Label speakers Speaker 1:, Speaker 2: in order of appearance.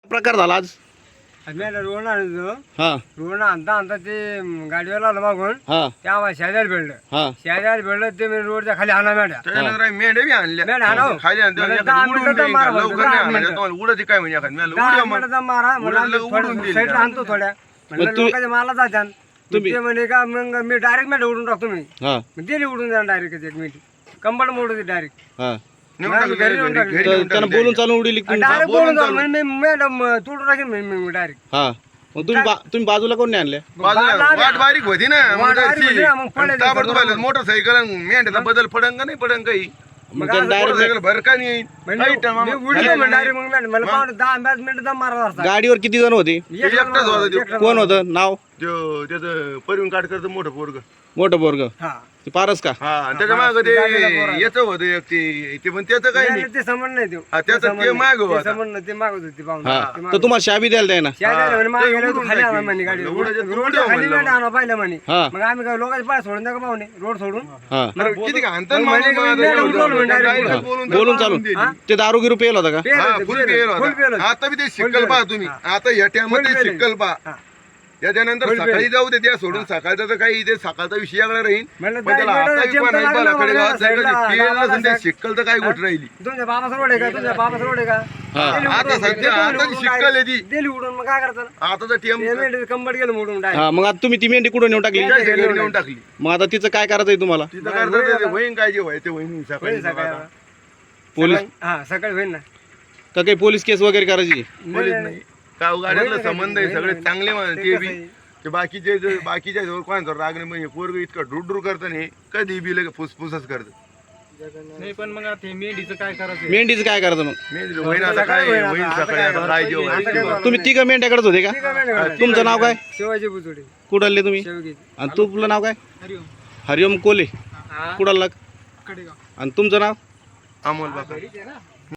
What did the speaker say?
Speaker 1: प्रकार झाला आज?
Speaker 2: मेंढ्या रोड आणतो
Speaker 1: हा
Speaker 2: रोड आणता ते गाडीवर आलं मागून
Speaker 1: हा
Speaker 2: ते आम्हाला शेजारी भेटलं
Speaker 1: हा
Speaker 2: शेजारी भेटलं ते मी रोडच्या खाली आणा मेंढ्या
Speaker 3: त्यानंतर आम्ही मेंढ्या बी आणल्या
Speaker 2: मेंढ्या आणावं.
Speaker 3: खाली आणतो
Speaker 2: मला
Speaker 3: एखादी
Speaker 2: 10
Speaker 3: उडून
Speaker 2: मिनिटं
Speaker 3: देईन
Speaker 2: मारा
Speaker 3: का?
Speaker 2: म्हणतो,
Speaker 3: लवकर
Speaker 2: 10
Speaker 3: नाही आणलं
Speaker 2: मिनिटं.
Speaker 3: तुम्हाला उडती काय म्हणजे एखादी मी
Speaker 2: दहा
Speaker 3: उड्या मग
Speaker 2: मिनिटाचा मारा
Speaker 3: उडलं उडून
Speaker 2: म्हणलं
Speaker 3: देईल
Speaker 2: साईडला
Speaker 3: का?
Speaker 2: आणतो थोड्या म्हणलं
Speaker 1: तुम्ही-
Speaker 2: लोकांच्या माला जात्यान
Speaker 1: तुम्ही-
Speaker 2: ते म्हणे का मग मी डायरेक्ट मेंढ्या उडून टाकतो मी
Speaker 1: हा
Speaker 2: दिली उडून द्या डायरेक्ट एक मिनिट कंबळ मोडू डायरेक्ट
Speaker 1: हा
Speaker 3: नेऊन
Speaker 2: मग
Speaker 3: टाकलं
Speaker 2: घरी नेऊन
Speaker 3: घरी-
Speaker 2: टाकलं.
Speaker 3: घरी
Speaker 1: तर
Speaker 3: नेऊन
Speaker 1: त्यानं
Speaker 3: टाकलं.
Speaker 1: बोलून चालून उडीली तुम्ही?
Speaker 2: डायरेक्ट
Speaker 3: बोलून
Speaker 2: बोलून जाऊ
Speaker 3: चालू.
Speaker 2: म्हणजे मी मॅडम तोडून टाकेन मी डायरेक्ट
Speaker 1: हा मग तुम्ही बाजूला कोण नाही आणल्या?
Speaker 3: बाजूला वाट बारीक होती ना मग
Speaker 2: वाट बारीक
Speaker 3: तशी.
Speaker 2: होती ना, मग पडले ते
Speaker 3: ताबडतोब
Speaker 2: सगळं.
Speaker 3: आलं. मोटरसायकल आणि मेंढ्याचा बदल पडन का नाही पडन काही
Speaker 1: मग
Speaker 2: मग
Speaker 1: त्यानं
Speaker 2: आज
Speaker 1: डायरेक्ट
Speaker 3: मोटरसायकल भर का नाही
Speaker 2: म्हणजे
Speaker 3: काही टाइम
Speaker 2: मी
Speaker 3: आम्हाला
Speaker 2: उडलो
Speaker 3: खाली
Speaker 2: म्हणजे
Speaker 3: नाही.
Speaker 2: डायरेक्ट मग मॅडम मला पाहून 10-15 मिनिटं दम मारला असता
Speaker 1: गाडीवर किती जण होते?
Speaker 3: एकटाच होता तो.
Speaker 2: एकटाच
Speaker 1: कोण होतं नाव?
Speaker 3: त्याचं परिवहन काढकर मोठं पोरग
Speaker 1: मोठं पोरग
Speaker 2: हा
Speaker 1: ते पारस का?
Speaker 3: हा आणि त्याच्या माग ते
Speaker 2: गाडीला पोरं.
Speaker 3: याचं होतं एक ते पण त्याचं काही नाही
Speaker 2: ते समज नाही देऊ
Speaker 3: हा, त्याचं ते मागं होता.
Speaker 2: समज नाही ते मागत होती पाहून
Speaker 1: हा
Speaker 2: ते
Speaker 1: तर
Speaker 2: मागं.
Speaker 1: तुम्हाला शाबी द्यायला द्याय ना?
Speaker 2: शेजारी म्हणे मागे
Speaker 3: ते
Speaker 2: गेलो
Speaker 3: उडून
Speaker 2: खाली आणा
Speaker 3: टाकी.
Speaker 2: म्हणे गाडी
Speaker 3: उडायचं तर
Speaker 2: रोडच्या
Speaker 3: उडव
Speaker 2: खाली
Speaker 3: म्हणलं.
Speaker 2: मेंढ्या आणा पाहिलं म्हणे
Speaker 1: हा
Speaker 2: मग आम्ही काय लोकांचे पाय सोडून द्या का पाहुणे रोड सोडून
Speaker 1: हा
Speaker 3: अरे किती का हाणतात
Speaker 2: मग
Speaker 3: माणूस
Speaker 2: म्हणे
Speaker 3: माझं
Speaker 2: मेंढ्या
Speaker 3: एवढं.
Speaker 2: उडवलं म्हणे
Speaker 3: direct
Speaker 2: direct.
Speaker 1: बोलून चालून
Speaker 3: दिली.
Speaker 1: ते दारू गिरू पेल होता का?
Speaker 2: पेल
Speaker 3: हा
Speaker 2: होते,
Speaker 3: फुल
Speaker 2: पेल
Speaker 3: पेल
Speaker 2: होते, फुल पेल
Speaker 3: होता
Speaker 2: होते.
Speaker 3: आता बी ते
Speaker 2: फुल
Speaker 3: शिक्कल
Speaker 2: पेल
Speaker 3: पहा
Speaker 2: होते.
Speaker 3: तुम्ही
Speaker 2: हा.
Speaker 3: आता या टायमात
Speaker 2: फुल पेल
Speaker 3: शिक्कल पहा
Speaker 2: हा.
Speaker 3: याच्यानंतर
Speaker 2: फुल पेल.
Speaker 3: सकाळी जाऊ दे त्या सोडून सकाळचं तर काही ते सकाळचा विषय आगळा राहील
Speaker 2: म्हणलं
Speaker 3: पण त्याला
Speaker 2: direct
Speaker 3: आता
Speaker 2: जेमतं
Speaker 3: पण नाही
Speaker 2: लागलं
Speaker 3: पाहिला
Speaker 2: मला
Speaker 3: खडेगावात
Speaker 2: साईडला,
Speaker 3: जायचं ते
Speaker 2: गावाला
Speaker 3: नसेल ते
Speaker 2: जायचं.
Speaker 3: शिक्कल तर काय गोठ राहिली
Speaker 2: तुमच्या बाबाचा रोड आहे का तुझ्या बाबाचा रोड आहे का
Speaker 1: हा.
Speaker 2: दिली
Speaker 3: आता
Speaker 2: उडून.
Speaker 3: सध्या
Speaker 2: दिली
Speaker 3: आता
Speaker 2: उडून
Speaker 3: शिक्कल आहे ती.
Speaker 2: दिली उडून मग काय करता
Speaker 3: आता तर टीएम
Speaker 2: कंबड गेलं मोडून डायरेक्ट
Speaker 1: हा मग आता तुम्ही ती मेंढी कुठं नेऊन टाकली?
Speaker 3: घरी नेऊन टाकली
Speaker 1: मग आता तिचं काय करायचंय तुम्हाला?
Speaker 3: तिथं करतात ते होईन काय जे व्हायचं होईन सकाळी
Speaker 2: सकाळी
Speaker 1: पोलीस
Speaker 2: हा सकाळी होईल ना
Speaker 1: का काही पोलीस केस वगैरे करायची?
Speaker 3: पोलीस नाही गाव गाड्यातलं संबंध आहे सगळे चांगले माणसं ते बी ते बाकीच्या जवळ कोणाचा राग नाही म्हणजे पोरग इतकं डुडूर करतं नाही कधी बी लगे फुसफुसच करतं
Speaker 2: नाही पण मग ते मेंढीचं काय करायचं
Speaker 1: मेंढीचं काय करायचं मग?
Speaker 3: मी होईन आता काय होईन सकाळी आता काय जे व्हायचं
Speaker 1: तुम्ही तिघं मेंढ्याकडेच होते का? तुमचं नाव काय?
Speaker 2: शिवाजी बुचुडे
Speaker 1: कुडालले तुम्ही?
Speaker 2: शेवगी
Speaker 1: आणि तुझं नाव काय?
Speaker 2: हरिओम
Speaker 1: हरिओम कोले
Speaker 2: हा
Speaker 1: कुडालला?
Speaker 2: कडेगाव
Speaker 1: आणि तुमचं नाव?
Speaker 3: अमोल बाबा